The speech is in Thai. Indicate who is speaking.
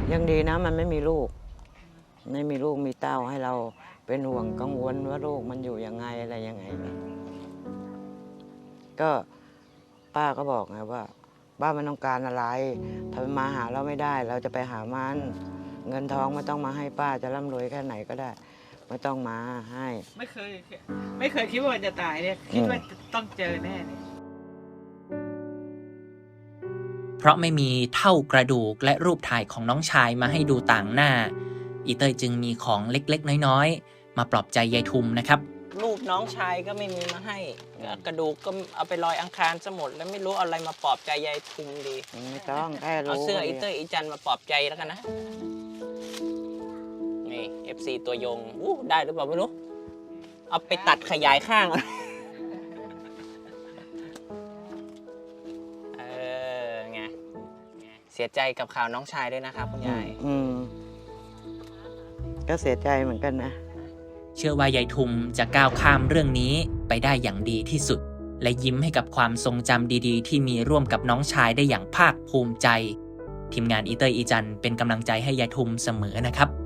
Speaker 1: ยังดีนะมันไม่มีลูกมีเต้าให้เราเป็นห่วงกังวลว่าลูกมันอยู่ยังไงอะไรยังไงก็ป้าก็บอกไงว่าบ้านมันต้องการอะไรถ้ามันมาหาเราไม่ได้เราจะไปหามันเงินทองไม่ต้องมาให้ป้าจะร่ำรวยแค่ไหนก็ได้ไม่ต้องมาให้
Speaker 2: ไม่เคยคิดว่ามันจะตายเนี่ยคิดว่าต้องเจอแน่เนี่ย
Speaker 3: เพราะไม่มีเท่ากระดูกและรูปถ่ายของน้องชายมาให้ดูต่างหน้าอีเตยจึงมีของเล็กๆน้อยๆมาปลอบใจยายทุมนะครับ
Speaker 4: รูปน้องชายก็ไม่มีมาให้กระดูกก็เอาไปลอยอังคารซะหมดแล้วไม่รู้อะไรมาปลอบใจยายทุมดี
Speaker 1: ไม่ต้องแค่รู้
Speaker 4: เอาเสื้ออีเตยอีจันมาปลอบใจแล้วกันนะนี่ FC ตัวยงได้หรือเปล่าไม่รู้เอาไปตัดขยายข้างไงเสียใจกับข่าวน้องชายด้วยนะครับคุณยาย
Speaker 1: ก็เสียใจเหมือนกันนะ
Speaker 3: เชื่อว่ายายทุมจะก้าวข้ามเรื่องนี้ไปได้อย่างดีที่สุดและยิ้มให้กับความทรงจำดีๆที่มีร่วมกับน้องชายได้อย่างภาคภูมิใจทีมงานอีเตยอีจันเป็นกำลังใจให้ยายทุมเสมอนะครับ